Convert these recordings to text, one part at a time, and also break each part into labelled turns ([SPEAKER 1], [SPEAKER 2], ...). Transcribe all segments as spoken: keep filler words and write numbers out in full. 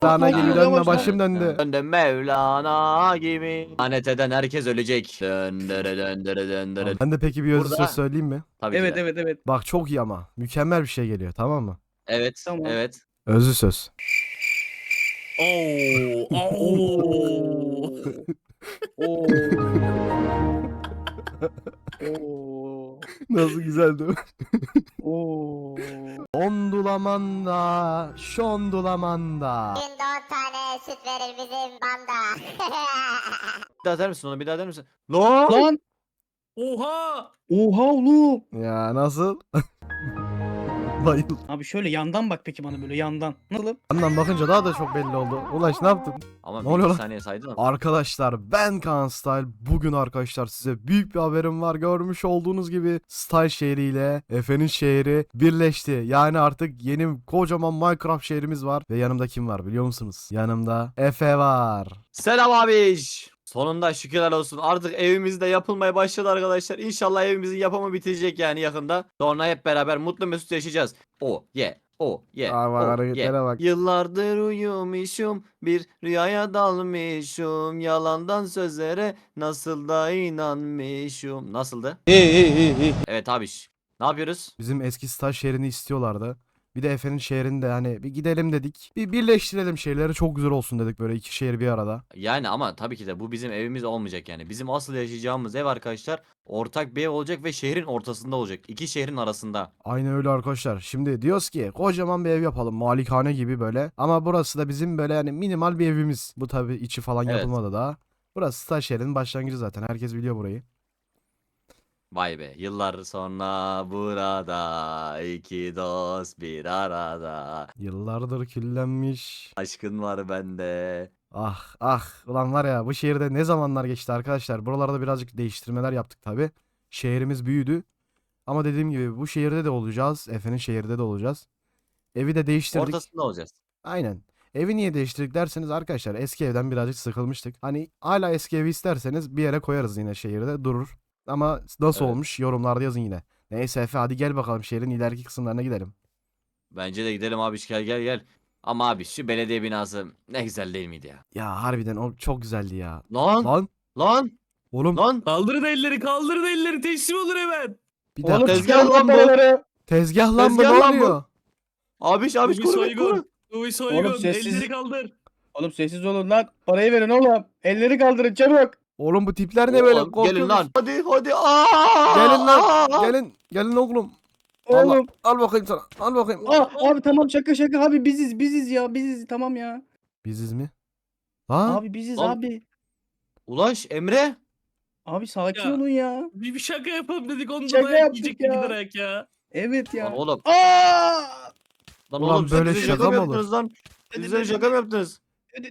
[SPEAKER 1] Mevlana gibi
[SPEAKER 2] Yavaş,
[SPEAKER 1] dönme
[SPEAKER 2] yavaş.
[SPEAKER 1] başım döndü.
[SPEAKER 3] Döndüm Mevlana gibi. Lanet eden herkes ölecek. Döndürü döndürü döndürü.
[SPEAKER 1] Ben de peki bir özlü
[SPEAKER 3] Burada-
[SPEAKER 1] söz söyleyeyim mi?
[SPEAKER 3] Tabii ki
[SPEAKER 2] Evet
[SPEAKER 3] de.
[SPEAKER 2] evet evet.
[SPEAKER 1] Bak çok iyi ama. Mükemmel bir şey geliyor, tamam mı?
[SPEAKER 3] Evet.
[SPEAKER 2] Tamam.
[SPEAKER 3] Evet.
[SPEAKER 1] Özlü söz.
[SPEAKER 4] Oo. Oo.
[SPEAKER 2] Oo. Oo.
[SPEAKER 1] Nasıl güzel değil mi?
[SPEAKER 2] Oo.
[SPEAKER 1] Ondulamanda, şondulamanda.
[SPEAKER 5] Günde on tane süt verir bizim banda.
[SPEAKER 3] Bir daha der misin onu? Bir daha der misin? Lan!
[SPEAKER 2] Lan.
[SPEAKER 4] Oha.
[SPEAKER 2] Oha oğlum.
[SPEAKER 1] Ya nasıl? Bayıldım.
[SPEAKER 2] Abi şöyle yandan bak peki bana böyle yandan. Nasıl?
[SPEAKER 1] Yandan bakınca daha da çok belli oldu. Ulaş ne yaptın?
[SPEAKER 3] Ama
[SPEAKER 1] Ne
[SPEAKER 3] bir
[SPEAKER 1] oluyor
[SPEAKER 3] iki
[SPEAKER 1] lan?
[SPEAKER 3] saniye saydın ama.
[SPEAKER 1] Arkadaşlar ben Kaan Style. Bugün arkadaşlar size büyük bir haberim var. Görmüş olduğunuz gibi Style şehriyle Efe'nin şehri birleşti. Yani artık yeni kocaman Minecraft şehrimiz var. Ve yanımda kim var biliyor musunuz? Yanımda Efe var.
[SPEAKER 3] Selam abiş. Sonunda şükürler olsun. Artık evimizde yapılmaya başladı arkadaşlar. İnşallah evimizin yapımı bitecek yani yakında. Sonra hep beraber mutlu mesut yaşayacağız. O ye. O ye.
[SPEAKER 1] Aa, bak,
[SPEAKER 3] O
[SPEAKER 1] hareketlere
[SPEAKER 3] ye.
[SPEAKER 1] bak.
[SPEAKER 3] Yıllardır uyumuşum. Bir rüyaya dalmışım. Yalandan sözlere nasıl da inanmışım. Nasıldı? Evet abiş. Ne yapıyoruz?
[SPEAKER 1] Bizim eski Style şehrini istiyorlardı. Bir de Efe'nin şehrinde hani bir gidelim dedik. Bir birleştirelim şehirleri, çok güzel olsun dedik, böyle iki şehir bir arada.
[SPEAKER 3] Yani ama tabii ki de bu bizim evimiz olmayacak yani. Bizim asıl yaşayacağımız ev arkadaşlar ortak bir ev olacak ve şehrin ortasında olacak. İki şehrin arasında.
[SPEAKER 1] Aynen öyle arkadaşlar. Şimdi diyoruz ki kocaman bir ev yapalım. Malikane gibi böyle. Ama burası da bizim böyle yani minimal bir evimiz. Bu tabii içi falan
[SPEAKER 3] Evet.
[SPEAKER 1] yapılmadı daha. Burası Star şehrinin başlangıcı zaten. Herkes biliyor burayı.
[SPEAKER 3] Vay be, yıllar sonra burada iki dost bir arada.
[SPEAKER 1] Yıllardır küllenmiş.
[SPEAKER 3] Aşkın var bende.
[SPEAKER 1] Ah ah. Ulan var ya, bu şehirde ne zamanlar geçti arkadaşlar. Buralarda birazcık değiştirmeler yaptık tabii. Şehrimiz büyüdü. Ama dediğim gibi bu şehirde de olacağız. Efe'nin şehirde de olacağız. Evi de değiştirdik.
[SPEAKER 3] Ortasında olacağız.
[SPEAKER 1] Aynen. Evi niye değiştirdik derseniz arkadaşlar, eski evden birazcık sıkılmıştık. Hani hala eski evi isterseniz bir yere koyarız, yine şehirde durur. Ama nasıl
[SPEAKER 3] Evet.
[SPEAKER 1] olmuş yorumlarda yazın yine. Neyse Efe, hadi gel bakalım şehrin ileriki kısımlarına gidelim.
[SPEAKER 3] Bence de gidelim abi, gel gel gel. Ama abi şu belediye binası ne güzel değil miydi ya?
[SPEAKER 1] Ya harbiden o çok güzeldi ya.
[SPEAKER 3] Lan lan
[SPEAKER 1] Lan
[SPEAKER 3] lan
[SPEAKER 1] oğlum
[SPEAKER 3] lan.
[SPEAKER 4] Kaldırın elleri, kaldırın elleri, teslim olun hemen.
[SPEAKER 1] bir
[SPEAKER 2] Oğlum
[SPEAKER 1] dakika.
[SPEAKER 3] tezgah
[SPEAKER 2] çıkarın
[SPEAKER 3] lan bu.
[SPEAKER 2] paraları.
[SPEAKER 1] Tezgah lan bu,
[SPEAKER 3] tezgah
[SPEAKER 1] ne
[SPEAKER 3] lan bu.
[SPEAKER 1] oluyor?
[SPEAKER 3] Abiş
[SPEAKER 4] Bu
[SPEAKER 3] abiş
[SPEAKER 4] bir
[SPEAKER 3] koru beni,
[SPEAKER 4] soygun.
[SPEAKER 3] koru.
[SPEAKER 4] Bu bir soygun.
[SPEAKER 2] Oğlum sessiz-
[SPEAKER 4] Elleri kaldır.
[SPEAKER 2] Oğlum sessiz olun lan. Parayı verin oğlum. Elleri kaldırın çabuk.
[SPEAKER 1] Oğlum bu tipler ne böyle?
[SPEAKER 3] Oğlum,
[SPEAKER 1] Korkuyoruz.
[SPEAKER 3] gelin lan. Hadi hadi. Aa!
[SPEAKER 1] Gelin lan.
[SPEAKER 3] Aa!
[SPEAKER 1] Gelin. Gelin oğlum. Allah,
[SPEAKER 2] Oğlum.
[SPEAKER 1] al bakayım sana. Al bakayım.
[SPEAKER 2] Aa, abi tamam şaka şaka abi biziz biziz ya biziz tamam ya.
[SPEAKER 1] Biziz mi? Ha?
[SPEAKER 2] Abi biziz
[SPEAKER 3] Lan-
[SPEAKER 2] abi.
[SPEAKER 3] Ulaş Emre.
[SPEAKER 2] Abi sakin
[SPEAKER 4] Ya.
[SPEAKER 2] olun ya.
[SPEAKER 4] Bir, bir şaka yapalım dedik, onu da
[SPEAKER 2] Şaka
[SPEAKER 4] dayak
[SPEAKER 2] yaptık
[SPEAKER 4] yiyecektik
[SPEAKER 2] ya.
[SPEAKER 4] giderek ya.
[SPEAKER 2] Evet ya.
[SPEAKER 3] Lan oğlum.
[SPEAKER 2] Aa!
[SPEAKER 3] Lan
[SPEAKER 1] Ulan
[SPEAKER 3] oğlum siz
[SPEAKER 1] böyle
[SPEAKER 3] bize
[SPEAKER 1] şaka
[SPEAKER 3] mı
[SPEAKER 1] mı olur?
[SPEAKER 3] yaptınız lan? Siz bize şaka mı yaptınız?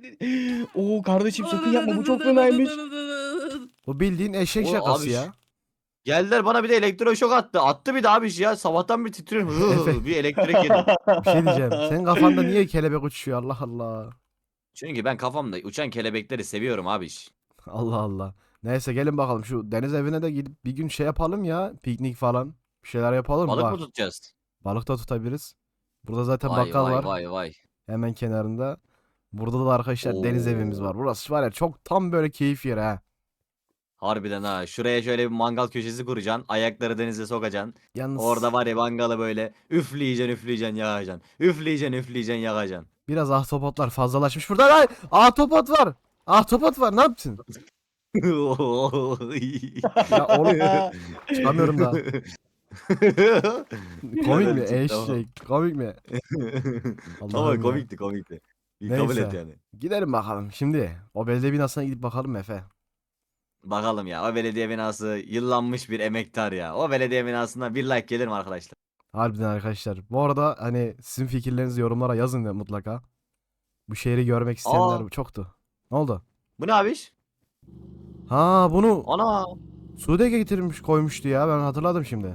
[SPEAKER 2] Oo kardeşim sakın yapma bu çok fenaymış.
[SPEAKER 1] Bu bildiğin eşek
[SPEAKER 3] Oğlum
[SPEAKER 1] şakası
[SPEAKER 3] abi,
[SPEAKER 1] ya.
[SPEAKER 3] Geldiler bana bir de elektroşok attı. Attı bir de abi ya. Sabahtan bir titriyorum.
[SPEAKER 1] Efe.
[SPEAKER 3] bir elektrik yedim.
[SPEAKER 1] Bir şey diyeceğim. Senin kafanda niye kelebek uçuyor? Allah Allah.
[SPEAKER 3] Çünkü ben kafamda uçan kelebekleri seviyorum abi.
[SPEAKER 1] Allah Allah. Neyse gelin bakalım şu deniz evine de gidip bir gün şey yapalım ya. Piknik falan. Bir şeyler yapalım.
[SPEAKER 3] Balık
[SPEAKER 1] Bak,
[SPEAKER 3] mı tutacağız?
[SPEAKER 1] balık da tutabiliriz. Burada zaten
[SPEAKER 3] Vay
[SPEAKER 1] bakkal
[SPEAKER 3] vay
[SPEAKER 1] var.
[SPEAKER 3] vay vay.
[SPEAKER 1] Hemen kenarında. Burada da arkadaşlar deniz
[SPEAKER 3] Oo.
[SPEAKER 1] evimiz var. Burası var ya, çok tam böyle keyif yeri ha.
[SPEAKER 3] Harbiden ha. Şuraya şöyle bir mangal köşesi kuracaksın. Ayakları denize sokacaksın.
[SPEAKER 1] Yalnız
[SPEAKER 3] Orada var ya mangalı böyle üfleyeceksin üfleyeceksin yakacaksın. Üfleyeceksin üfleyeceksin yakacaksın.
[SPEAKER 1] biraz ahtapotlar fazlalaşmış burada. Ay, ahtapot var. Ahtapot var, ne yaptın? Ya oğlum çıkamıyorum daha. Komik mi?
[SPEAKER 3] Çıktı ama.
[SPEAKER 1] Eşek. Komik mi? Allah'ım
[SPEAKER 3] Ama
[SPEAKER 1] ya.
[SPEAKER 3] komikti komikti. Bir kabul et
[SPEAKER 1] Neyse.
[SPEAKER 3] yani.
[SPEAKER 1] Gidelim bakalım. Şimdi o belediye binasına gidip bakalım Efe.
[SPEAKER 3] Bakalım ya, o belediye binası yıllanmış bir emektar ya. O belediye binasına bir like gelir mi arkadaşlar?
[SPEAKER 1] Harbiden arkadaşlar. Bu arada hani sizin fikirlerinizi yorumlara yazın ya mutlaka. Bu şehri görmek isteyenler
[SPEAKER 3] Aa.
[SPEAKER 1] çoktu. Ne oldu?
[SPEAKER 3] Bu ne abiş?
[SPEAKER 1] Ha, bunu
[SPEAKER 3] Ana.
[SPEAKER 1] Sude getirmiş koymuştu ya, ben hatırladım şimdi.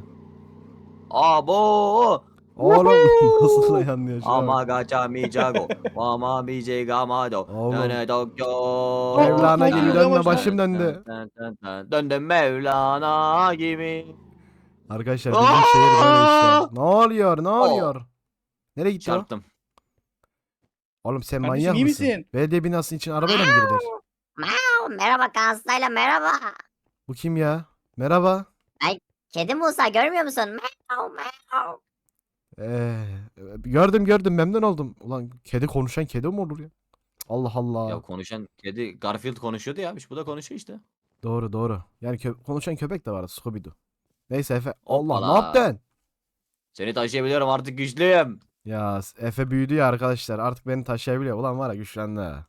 [SPEAKER 3] Abo.
[SPEAKER 1] Oğlum nasıl da yanlıyor şu an.
[SPEAKER 3] Ama gacha mi jago. Ama mi je gamado.
[SPEAKER 1] Oğlum.
[SPEAKER 3] Döne Tokyo.
[SPEAKER 1] Mevlana gibi
[SPEAKER 2] Yavaş,
[SPEAKER 1] dönme,
[SPEAKER 2] yavaş.
[SPEAKER 1] başım döndü.
[SPEAKER 3] Dön, dön, dön. Döndüm Mevlana gibi.
[SPEAKER 1] Arkadaşlar bizim şehir böyle
[SPEAKER 3] Aa!
[SPEAKER 1] işte. Ne oluyor? Ne oluyor? Nereye gitti o?
[SPEAKER 3] Çarptım.
[SPEAKER 1] Oğlum sen
[SPEAKER 2] Kardeşim,
[SPEAKER 1] manyak
[SPEAKER 2] iyi
[SPEAKER 1] mısın?
[SPEAKER 2] misin?
[SPEAKER 1] Belediye binasının için arabayla mı girilir?
[SPEAKER 5] Miau, merhaba Kanslayla merhaba.
[SPEAKER 1] Bu kim ya? Merhaba.
[SPEAKER 5] Kedi Musa görmüyor musun? Miau miau.
[SPEAKER 1] Ee, gördüm gördüm memnun oldum. Ulan kedi konuşan kedi mi olur ya? Allah Allah.
[SPEAKER 3] Ya konuşan kedi Garfield konuşuyordu ya. Bu da konuşuyor işte.
[SPEAKER 1] Doğru doğru. Yani kö- konuşan köpek de vardı Scooby-Doo. Neyse Efe. Allah ne
[SPEAKER 3] Hoppala.
[SPEAKER 1] yaptın?
[SPEAKER 3] Seni taşıyabiliyorum artık güçlüyüm.
[SPEAKER 1] Ya Efe büyüdü ya arkadaşlar. Artık beni taşıyabiliyor. Ulan var ya güçlendi ha.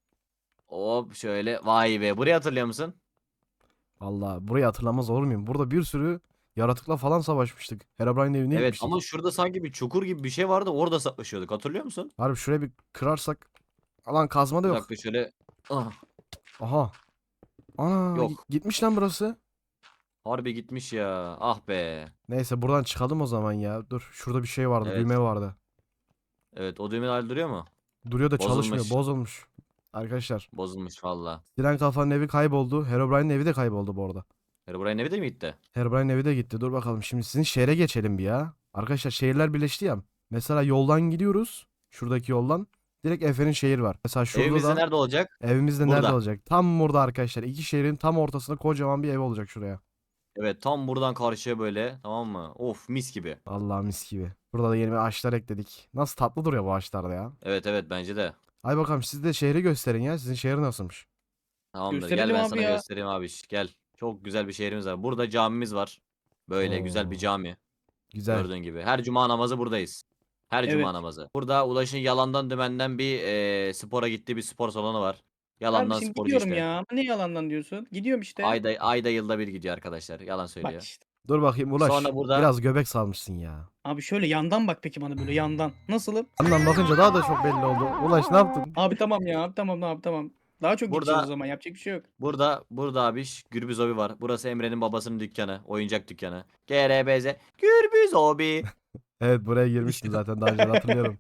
[SPEAKER 3] Hop şöyle. Vay be. Burayı hatırlıyor musun?
[SPEAKER 1] Valla burayı hatırlamaz olur muyum? Burada bir sürü yaratıkla falan savaşmıştık. Herobrine'in evine
[SPEAKER 3] Evet
[SPEAKER 1] gitmiştik.
[SPEAKER 3] ama şurada sanki bir çukur gibi bir şey vardı. Orada saklaşıyorduk. Hatırlıyor musun?
[SPEAKER 1] Harbi şuraya bir kırarsak. Alan kazma da
[SPEAKER 3] Bir
[SPEAKER 1] yok.
[SPEAKER 3] dakika şöyle. Ah,
[SPEAKER 1] Aha. Ana
[SPEAKER 3] Yok.
[SPEAKER 1] gi- gitmiş lan burası.
[SPEAKER 3] harbi gitmiş ya. Ah be.
[SPEAKER 1] Neyse buradan çıkalım o zaman ya. Dur şurada bir şey vardı.
[SPEAKER 3] Evet.
[SPEAKER 1] Düğme vardı.
[SPEAKER 3] Evet o düğme hala duruyor mu?
[SPEAKER 1] Duruyor da çalışmıyor.
[SPEAKER 3] Bozulmuş.
[SPEAKER 1] Bozulmuş. Arkadaşlar.
[SPEAKER 3] Bozulmuş valla.
[SPEAKER 1] Siren Kafa'nın evi kayboldu. Herobrine'in evi de kayboldu bu arada.
[SPEAKER 3] Herobrine evi de mi gitti?
[SPEAKER 1] Herobrine'in evi de gitti. Dur bakalım şimdi sizin şehre geçelim bir ya. Arkadaşlar şehirler birleşti ya. Mesela yoldan gidiyoruz. Şuradaki yoldan. Direkt Efe'nin şehir var. Mesela şurada
[SPEAKER 3] Evimiz de
[SPEAKER 1] da
[SPEAKER 3] nerede olacak?
[SPEAKER 1] evimiz de nerede
[SPEAKER 3] Burada.
[SPEAKER 1] olacak? Tam burada arkadaşlar. İki şehrin tam ortasında kocaman bir ev olacak şuraya.
[SPEAKER 3] Evet tam buradan karşıya böyle tamam mı? Of mis gibi.
[SPEAKER 1] Allah mis gibi. Burada da yeni bir ağaçlar ekledik. Nasıl tatlı duruyor bu ağaçlar da ya.
[SPEAKER 3] Evet evet bence de.
[SPEAKER 1] Ay bakalım siz de şehri gösterin ya. Sizin şehir nasılmış?
[SPEAKER 3] Tamamdır gel
[SPEAKER 2] Gösterelim
[SPEAKER 3] ben
[SPEAKER 2] abi
[SPEAKER 3] sana
[SPEAKER 2] ya.
[SPEAKER 3] göstereyim abi. Gel. Çok güzel bir şehrimiz var. Burada camimiz var. Böyle güzel bir
[SPEAKER 1] Oo.
[SPEAKER 3] cami.
[SPEAKER 1] Güzel.
[SPEAKER 3] Gördüğün gibi. Her cuma namazı buradayız. Her cuma
[SPEAKER 2] Evet.
[SPEAKER 3] namazı. Burada Ulaş'ın yalandan dümenden bir eee, spora gittiği bir spor salonu var. Yalandan
[SPEAKER 2] Kardeşim
[SPEAKER 3] sporcu
[SPEAKER 2] gidiyorum
[SPEAKER 3] işte.
[SPEAKER 2] ya. Ama ne yalandan diyorsun? Gidiyorum işte.
[SPEAKER 3] Ayda ayda yılda bir gidiyor arkadaşlar. Yalan
[SPEAKER 2] Bak
[SPEAKER 3] söylüyor.
[SPEAKER 2] işte.
[SPEAKER 1] Dur bakayım Ulaş.
[SPEAKER 3] Sonra burada-
[SPEAKER 1] Biraz göbek salmışsın ya.
[SPEAKER 2] Abi şöyle yandan bak peki bana böyle yandan. Nasılım?
[SPEAKER 1] Yandan bakınca daha da çok belli oldu. Ulaş ne yaptın?
[SPEAKER 2] Abi tamam ya. Abi tamam abi tamam. Daha çok
[SPEAKER 3] Burada-
[SPEAKER 2] gideceğiz o zaman. Yapacak bir şey yok.
[SPEAKER 3] Burada burada abi Gürbüz Hobi var. Burası Emre'nin babasının dükkanı. Oyuncak dükkanı. G R B Z Gürbüz Hobi.
[SPEAKER 1] Evet buraya girmiştim zaten daha önce hatırlıyorum.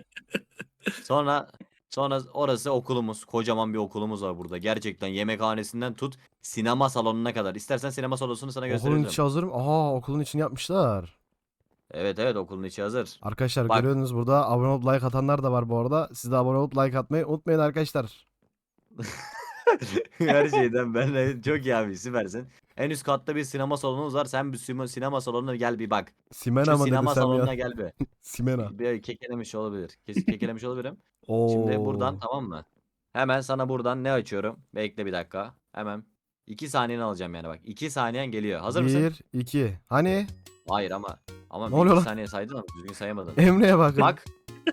[SPEAKER 3] Sonra sonra orası okulumuz. Kocaman bir okulumuz var burada. Gerçekten yemekhanesinden tut sinema salonuna kadar. İstersen sinema salonunu sana
[SPEAKER 1] Okulun
[SPEAKER 3] gösterebilirim.
[SPEAKER 1] içi hazır mı? Aha okulun içini yapmışlar.
[SPEAKER 3] Evet evet okulun içi hazır.
[SPEAKER 1] Arkadaşlar
[SPEAKER 3] Bak.
[SPEAKER 1] görüyorsunuz burada abone olup like atanlar da var bu arada. Siz de abone olup like atmayı unutmayın arkadaşlar.
[SPEAKER 3] Her şeyden ben de çok iyi abi süpersin. En üst katta bir sinema salonumuz var. Sen bir sima- sinema salonuna gel bir bak.
[SPEAKER 1] Simena
[SPEAKER 3] Şu
[SPEAKER 1] mı
[SPEAKER 3] sinema
[SPEAKER 1] desem
[SPEAKER 3] salonuna
[SPEAKER 1] ya?
[SPEAKER 3] gel bir.
[SPEAKER 1] Simena.
[SPEAKER 3] Bir kekelemiş olabilir. Kesin kekelemiş olabilirim.
[SPEAKER 1] Oo.
[SPEAKER 3] Şimdi buradan tamam mı? Hemen sana buradan ne açıyorum? Bekle bir dakika. Hemen. iki saniyeni alacağım yani bak. iki saniyen geliyor. Hazır mısın?
[SPEAKER 1] Bir, iki. Hani?
[SPEAKER 3] Hayır ama. Ama
[SPEAKER 1] Ne
[SPEAKER 3] bir
[SPEAKER 1] oluyor
[SPEAKER 3] iki
[SPEAKER 1] lan?
[SPEAKER 3] saniye saydın ama düzgün sayamadın.
[SPEAKER 1] Emre'ye bakın.
[SPEAKER 3] Bak.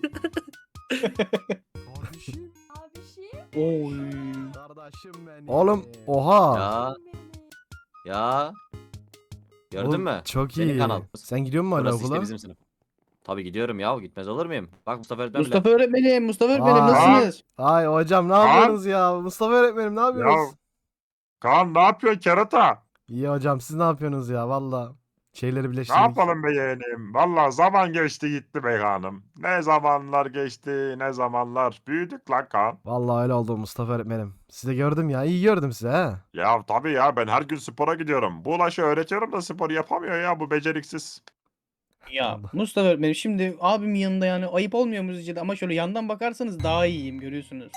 [SPEAKER 1] Kardeşim.
[SPEAKER 2] Oy.
[SPEAKER 1] Kardeşim benim. Oğlum oha.
[SPEAKER 3] Ya. Ya. Gördün
[SPEAKER 1] Oğlum,
[SPEAKER 3] mü?
[SPEAKER 1] Çok
[SPEAKER 3] Senin
[SPEAKER 1] iyi.
[SPEAKER 3] kanal.
[SPEAKER 1] Sen gidiyor musun hala
[SPEAKER 3] Burası
[SPEAKER 1] okula?
[SPEAKER 3] işte bizim sınıf. Tabii gidiyorum ya. Gitmez olur muyum? Bak Mustafa öğretmen bile.
[SPEAKER 2] Mustafa öğretmenim. Mustafa öğretmenim
[SPEAKER 1] Aa.
[SPEAKER 2] nasılsınız?
[SPEAKER 1] Ay hocam ne yapıyorsunuz ya? Mustafa öğretmenim ne yapıyorsunuz?
[SPEAKER 6] Kaan ne yapıyorsun kerata?
[SPEAKER 1] İyi hocam siz ne yapıyorsunuz ya valla? Şeyleri
[SPEAKER 6] Ne
[SPEAKER 1] birleştirdik.
[SPEAKER 6] yapalım be yeğenim? Valla zaman geçti gitti be Kaan'ım. Ne zamanlar geçti ne zamanlar. Büyüdük lan Kaan.
[SPEAKER 1] Vallahi öyle oldu Mustafa öğretmenim. Sizi gördüm ya iyi gördüm sizi ha.
[SPEAKER 6] Ya tabii ya ben her gün spora gidiyorum. Bu Ulaş'ı öğretiyorum da spor yapamıyor ya bu beceriksiz.
[SPEAKER 2] Ya
[SPEAKER 1] Allah.
[SPEAKER 2] Mustafa öğretmenim şimdi abimin yanında yani ayıp olmuyor mu sizce de? Ama şöyle yandan bakarsanız daha iyiyim görüyorsunuz.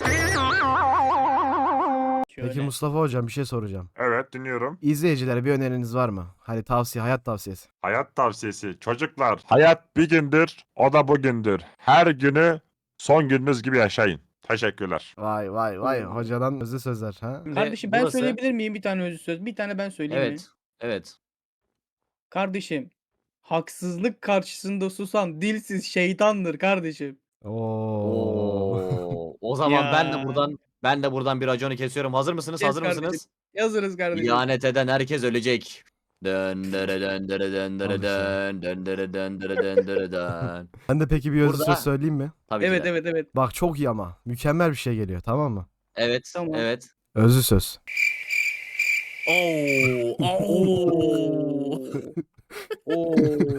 [SPEAKER 2] Şöyle.
[SPEAKER 1] Peki Mustafa hocam bir şey soracağım.
[SPEAKER 6] Evet dinliyorum.
[SPEAKER 1] İzleyicilere bir öneriniz var mı? Hani tavsiye, hayat tavsiyesi.
[SPEAKER 6] Hayat tavsiyesi. Çocuklar hayat bir gündür o da bugündür. Her günü son gününüz gibi yaşayın. Teşekkürler.
[SPEAKER 1] Vay vay vay
[SPEAKER 2] Oo.
[SPEAKER 1] hocadan özlü sözler ha.
[SPEAKER 3] Şimdi
[SPEAKER 2] Kardeşim ben
[SPEAKER 3] burası-
[SPEAKER 2] söyleyebilir miyim bir tane özlü söz? Bir tane ben söyleyeyim mi?
[SPEAKER 3] Evet. Evet.
[SPEAKER 2] Kardeşim haksızlık karşısında susan dilsiz şeytandır kardeşim.
[SPEAKER 1] Oo.
[SPEAKER 3] Oo. O zaman ben de
[SPEAKER 2] Ya.
[SPEAKER 3] buradan ben de buradan bir raconu kesiyorum. Hazır mısınız?
[SPEAKER 2] Kes
[SPEAKER 3] Hazır
[SPEAKER 2] kardeşim.
[SPEAKER 3] mısınız?
[SPEAKER 2] Yazırız kardeşim.
[SPEAKER 3] İhanet eden herkes ölecek. Dön dere dön dere dön dere
[SPEAKER 1] Al işte.
[SPEAKER 3] dön dön dere dön dere dön dere dön.
[SPEAKER 1] Ben de peki bir özlü
[SPEAKER 3] Burada-
[SPEAKER 1] söz söyleyeyim mi?
[SPEAKER 3] Tabii ki
[SPEAKER 2] Evet
[SPEAKER 3] de.
[SPEAKER 2] evet evet.
[SPEAKER 1] Bak çok iyi ama. Mükemmel bir şey geliyor tamam mı?
[SPEAKER 3] Evet.
[SPEAKER 2] Tamam.
[SPEAKER 3] Evet.
[SPEAKER 1] Özlü söz.
[SPEAKER 4] Oo. Oo.
[SPEAKER 2] Oo.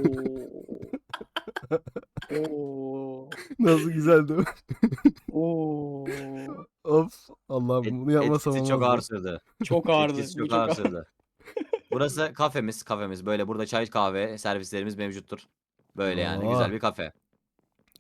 [SPEAKER 2] Oo.
[SPEAKER 1] Nasıl güzel değil mi?
[SPEAKER 2] Oo.
[SPEAKER 1] Of Allah'ım
[SPEAKER 3] Et-
[SPEAKER 1] bunu yapmasam
[SPEAKER 3] etkisi çok ağır
[SPEAKER 1] olmaz.
[SPEAKER 3] sürdü.
[SPEAKER 2] Çok ağırdı.
[SPEAKER 3] Etkisi
[SPEAKER 2] Bu
[SPEAKER 3] çok
[SPEAKER 2] çok
[SPEAKER 3] ağır
[SPEAKER 2] ağır.
[SPEAKER 3] sürdü. Burası kafemiz. Kafemiz. Böyle burada çay kahve servislerimiz mevcuttur. Böyle yani
[SPEAKER 1] Oo.
[SPEAKER 3] güzel bir kafe.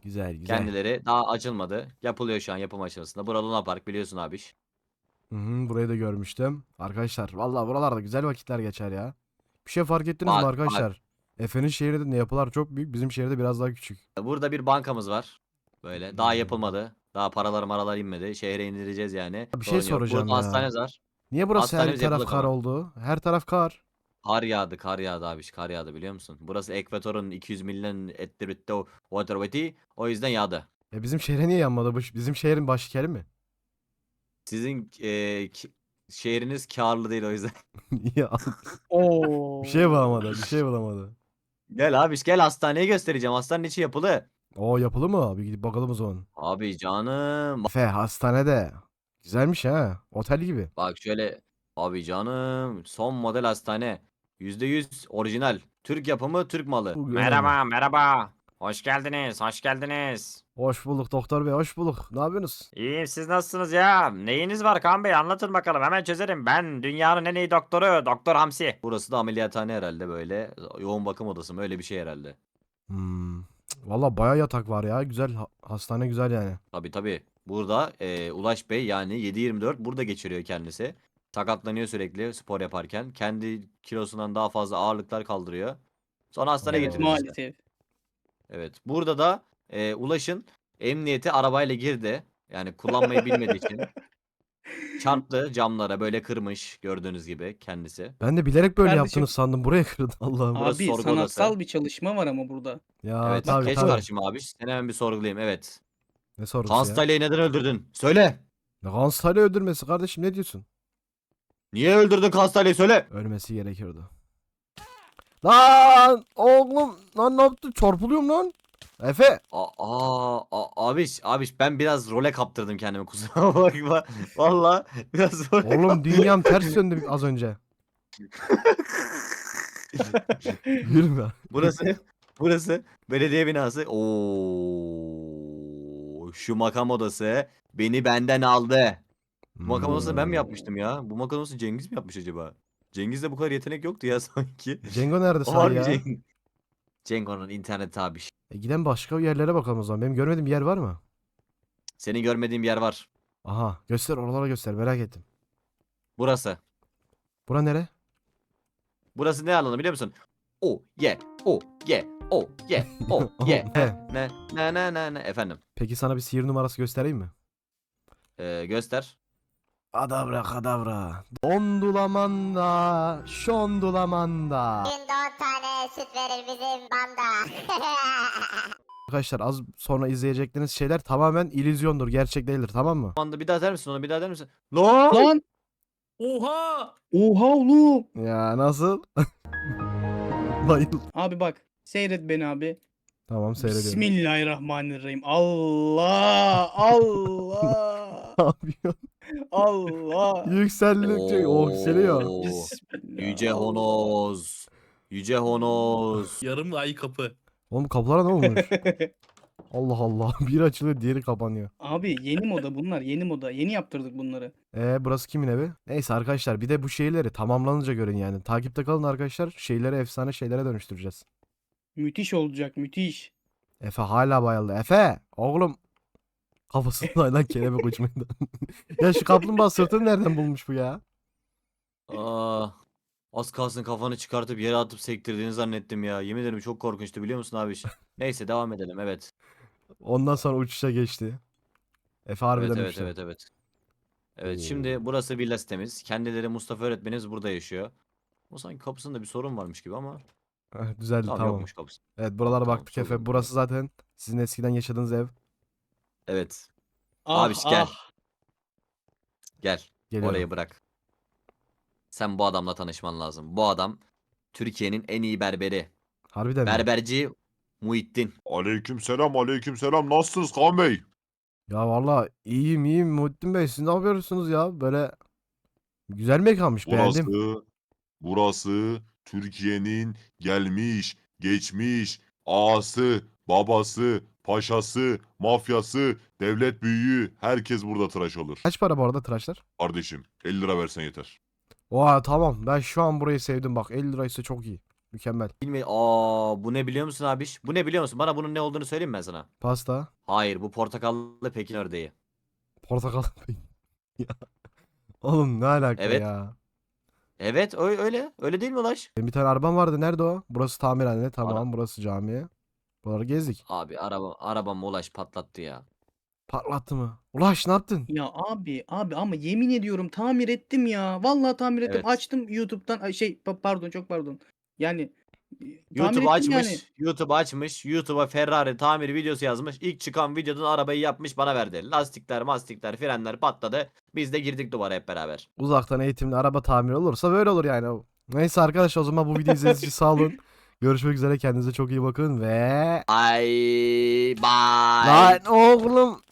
[SPEAKER 1] Güzel güzel.
[SPEAKER 3] Kendileri daha açılmadı. Yapılıyor şu an yapım aşamasında. Burada Luna Park biliyorsun abi.
[SPEAKER 1] Hı hı, burayı da görmüştüm. Arkadaşlar vallahi buralarda güzel vakitler geçer ya. Bir şey fark ettiniz mi
[SPEAKER 3] Bak,
[SPEAKER 1] arkadaşlar? Efe'nin şehri de yapılar çok büyük. Bizim şehirde biraz daha küçük.
[SPEAKER 3] Burada bir bankamız var. Böyle daha yapılmadı. Daha paralar maralar inmedi. Şehre indireceğiz yani.
[SPEAKER 1] Bir şey
[SPEAKER 3] Sorun yok.
[SPEAKER 1] soracağım
[SPEAKER 3] Burada
[SPEAKER 1] ya.
[SPEAKER 3] hastanemiz var.
[SPEAKER 1] Niye burası her
[SPEAKER 3] Hastanemiz
[SPEAKER 1] taraf
[SPEAKER 3] yapıldı
[SPEAKER 1] kar
[SPEAKER 3] ama.
[SPEAKER 1] oldu? Her taraf kar.
[SPEAKER 3] Kar yağdı, kar yağdı abi. Kar yağdı biliyor musun? Burası Ekvator'un iki yüz milyon ettirütte water o yüzden yağdı.
[SPEAKER 1] Ya bizim şehre niye yanmadı? Bu bizim şehrin başkenti mi?
[SPEAKER 3] Sizin e, ki- şehriniz karlı değil o yüzden.
[SPEAKER 1] Ya
[SPEAKER 2] Oo.
[SPEAKER 1] bir şey bulamadı. Bir şey bulamadı.
[SPEAKER 3] Gel abi gel hastaneye göstereceğim. Hastanenin içi yapılı.
[SPEAKER 1] O yapılı mı? abi? Gidip bakalım o zaman.
[SPEAKER 3] Abi canım.
[SPEAKER 1] Efe hastanede. Güzelmiş ha. Otel gibi.
[SPEAKER 3] Bak şöyle. Abi canım. Son model hastane. yüzde yüz orijinal. Türk yapımı, Türk malı.
[SPEAKER 1] Bu önemli.
[SPEAKER 4] Merhaba, merhaba. Hoş geldiniz, hoş geldiniz.
[SPEAKER 1] Hoş bulduk doktor bey. Hoş bulduk. Ne yapıyorsunuz?
[SPEAKER 4] İyiyim, siz nasılsınız ya? Neyiniz var Kaan Bey? Anlatın bakalım, hemen çözerim. Ben dünyanın en iyi doktoru, Doktor Hamsi.
[SPEAKER 3] Burası da ameliyathane herhalde böyle. Yoğun bakım odası mı öyle bir şey herhalde.
[SPEAKER 1] Hmm. Valla baya yatak var ya. Güzel. ha- Hastane güzel yani.
[SPEAKER 3] Tabii tabii. Burada e, Ulaş Bey yani yedi yirmi dört burada geçiriyor kendisi. Sakatlanıyor sürekli spor yaparken. Kendi kilosundan daha fazla ağırlıklar kaldırıyor. Sonra hastaneye
[SPEAKER 1] Evet,
[SPEAKER 3] getiriyoruz işte.
[SPEAKER 2] Maalesef.
[SPEAKER 3] Evet. Burada da e, Ulaş'ın emniyete arabayla girdi. Yani kullanmayı bilmediği için. Çarptı camlara böyle kırmış gördüğünüz gibi kendisi.
[SPEAKER 1] Ben de bilerek böyle
[SPEAKER 2] Kardeşim-
[SPEAKER 1] yaptınız sandım. Buraya kırdı Allah'ım.
[SPEAKER 3] Burası
[SPEAKER 2] Abi
[SPEAKER 3] sorgu
[SPEAKER 2] sanatsal
[SPEAKER 3] odası.
[SPEAKER 2] bir çalışma var ama burada.
[SPEAKER 1] Ya
[SPEAKER 3] Evet.
[SPEAKER 1] tabii
[SPEAKER 3] Geç
[SPEAKER 1] tabii.
[SPEAKER 3] karşıma abi. Seni hemen bir sorgulayayım. Evet.
[SPEAKER 1] Ne sorusu ya?
[SPEAKER 3] Konstale'yi neden öldürdün? Söyle.
[SPEAKER 1] Ne Galatasaray'ı öldürmesi kardeşim ne diyorsun?
[SPEAKER 3] Niye öldürdün Konstale'yi söyle.
[SPEAKER 1] Ölmesi gerekiyordu. Lan oğlum lan ne yaptın? Çarpılıyorum lan. Efe.
[SPEAKER 3] Aa, aa, a- abiş, abiş ben biraz role kaptırdım kendimi kusura bakma. Valla biraz role
[SPEAKER 1] Oğlum
[SPEAKER 3] kaptırdım.
[SPEAKER 1] dünyam ters döndü az önce. Gülme.
[SPEAKER 3] Burası, burası belediye binası. Oo, şu makam odası beni benden aldı. Bu makam odasını ben mi yapmıştım ya? Bu makam odasını Cengiz mi yapmış acaba? Cengiz'de bu kadar yetenek yoktu ya sanki.
[SPEAKER 1] Cengo nerede
[SPEAKER 3] O
[SPEAKER 1] sahi
[SPEAKER 3] var
[SPEAKER 1] ya?
[SPEAKER 3] Cengiz. Cengo'nun internet abiş.
[SPEAKER 1] E, giden başka yerlere bakalım o zaman. Benim görmediğim bir yer var mı?
[SPEAKER 3] Senin görmediğin bir yer var.
[SPEAKER 1] Aha göster oralara göster merak ettim.
[SPEAKER 3] Burası.
[SPEAKER 1] Bura nere?
[SPEAKER 3] Burası ne alanı biliyor musun? O ye o ye o ye o ye.
[SPEAKER 1] He.
[SPEAKER 3] Ne ne ne ne ne efendim.
[SPEAKER 1] Peki sana bir sihir numarası göstereyim mi?
[SPEAKER 3] Ee, göster.
[SPEAKER 1] Adabra kadabra. Dondulamanda, şondulamanda.
[SPEAKER 5] Günde on tane süt verir bizim banda.
[SPEAKER 1] Arkadaşlar az sonra izleyecekleriniz şeyler tamamen illüzyondur. Gerçek değildir tamam mı?
[SPEAKER 3] Anda bir daha der misin onu bir daha der misin? Lan!
[SPEAKER 2] Lan!
[SPEAKER 4] Oha!
[SPEAKER 2] Oha oğlum!
[SPEAKER 1] Ya nasıl? Bayıl.
[SPEAKER 2] Abi bak. Seyret beni abi.
[SPEAKER 1] Tamam seyrediyorum.
[SPEAKER 2] Bismillahirrahmanirrahim. Allah! Allah!
[SPEAKER 1] Ne yapıyorsun?
[SPEAKER 2] Allah!
[SPEAKER 1] Yükseldikçe o yükseliyor.
[SPEAKER 3] Oo,
[SPEAKER 2] Bismillah.
[SPEAKER 3] Yüce Honoz. Yüce Honoz.
[SPEAKER 4] Yarım ay kapı.
[SPEAKER 1] Oğlum kapılara ne olmuş? Allah Allah. Biri açılıyor diğeri kapanıyor.
[SPEAKER 2] Abi yeni moda bunlar. Yeni moda. Yeni yaptırdık bunları.
[SPEAKER 1] Ee burası kimin evi? Neyse arkadaşlar bir de bu şeyleri tamamlanınca görün yani. Takipte kalın arkadaşlar. Şeyleri efsane şeylere dönüştüreceğiz.
[SPEAKER 2] Müthiş olacak. Müthiş.
[SPEAKER 1] Efe hala bayıldı. Efe! Oğlum. Kafasından lan kelebek uçmaydı. Ya şu kaplumbağa sırtını nereden bulmuş bu ya?
[SPEAKER 3] Aa, az kalsın kafanı çıkartıp yere atıp sektirdiğini zannettim ya. Yemin ederim çok korkunçtu biliyor musun abi? Neyse devam edelim evet.
[SPEAKER 1] Ondan sonra uçuşa geçti. Efe harbiden
[SPEAKER 3] Evet evet
[SPEAKER 1] uçtu.
[SPEAKER 3] evet evet. Evet
[SPEAKER 1] Oo.
[SPEAKER 3] şimdi burası villa sitemiz. Kendileri Mustafa öğretmenimiz burada yaşıyor. O sanki kapısında bir sorun varmış gibi ama
[SPEAKER 1] Heh, düzeldi
[SPEAKER 3] tamam,
[SPEAKER 1] tamam.
[SPEAKER 3] yokmuş kapısı.
[SPEAKER 1] Evet buralara
[SPEAKER 3] Tamam,
[SPEAKER 1] baktık
[SPEAKER 3] sorun
[SPEAKER 1] Efe.
[SPEAKER 3] yok.
[SPEAKER 1] Burası zaten sizin eskiden yaşadığınız ev.
[SPEAKER 3] Evet
[SPEAKER 2] Ah,
[SPEAKER 3] Abiş, gel.
[SPEAKER 2] ah.
[SPEAKER 3] gel
[SPEAKER 1] Geliyorum.
[SPEAKER 3] orayı bırak. Sen bu adamla tanışman lazım. Bu adam Türkiye'nin en iyi berberi.
[SPEAKER 1] Harbiden mi?
[SPEAKER 3] Berberci Muhittin.
[SPEAKER 6] Aleykümselam, aleykümselam. Nasılsınız Kaan Bey?
[SPEAKER 1] Ya valla iyiyim iyiyim Muhittin Bey. Siz ne yapıyorsunuz ya? Böyle güzel mekanmış beğendim.
[SPEAKER 6] Burası, burası Türkiye'nin gelmiş, geçmiş, ağası, babası, paşası, mafyası, devlet büyüğü, herkes burada tıraş olur.
[SPEAKER 1] Kaç para bu arada tıraşlar?
[SPEAKER 6] Kardeşim elli lira versen yeter.
[SPEAKER 1] Oha tamam ben şu an burayı sevdim bak elli liraysa çok iyi. Mükemmel.
[SPEAKER 3] Bilmiyorum. Aa, bu ne biliyor musun abiş? Bu ne biliyor musun? Bana bunun ne olduğunu söyleyeyim mi ben sana?
[SPEAKER 1] Pasta.
[SPEAKER 3] Hayır, bu portakallı Pekin ördeği.
[SPEAKER 1] Portakal. Ya. Oğlum ne alaka
[SPEAKER 3] Evet.
[SPEAKER 1] ya?
[SPEAKER 3] Evet, ö- öyle. Öyle değil mi Ulaş?
[SPEAKER 1] Benim bir tane arabam vardı. Nerede o? Burası tamirhane. Tamam.
[SPEAKER 3] Ara-
[SPEAKER 1] Burası cami. Buraları gezdik.
[SPEAKER 3] Abi araba arabam Ulaş patlattı ya.
[SPEAKER 1] Patlattı mı? Ulaş ne yaptın?
[SPEAKER 2] Ya abi abi ama yemin ediyorum tamir ettim ya. Vallahi tamir ettim.
[SPEAKER 3] Evet.
[SPEAKER 2] Açtım YouTube'dan ay şey pa- pardon çok pardon. Yani e, tamir
[SPEAKER 3] YouTube
[SPEAKER 2] ettim
[SPEAKER 3] açmış.
[SPEAKER 2] yani.
[SPEAKER 3] YouTube açmış. YouTube'a Ferrari tamir videosu yazmış. İlk çıkan videodan arabayı yapmış bana verdi. Lastikler, mastikler, frenler patladı. Biz de girdik duvara hep beraber.
[SPEAKER 1] Uzaktan eğitimli araba tamiri olursa böyle olur yani. Neyse arkadaşlar o zaman bu videoyu izlediğiniz için sağ olun. Görüşmek üzere. Kendinize çok iyi bakın ve...
[SPEAKER 3] Ay bye.
[SPEAKER 1] Lan oğlum.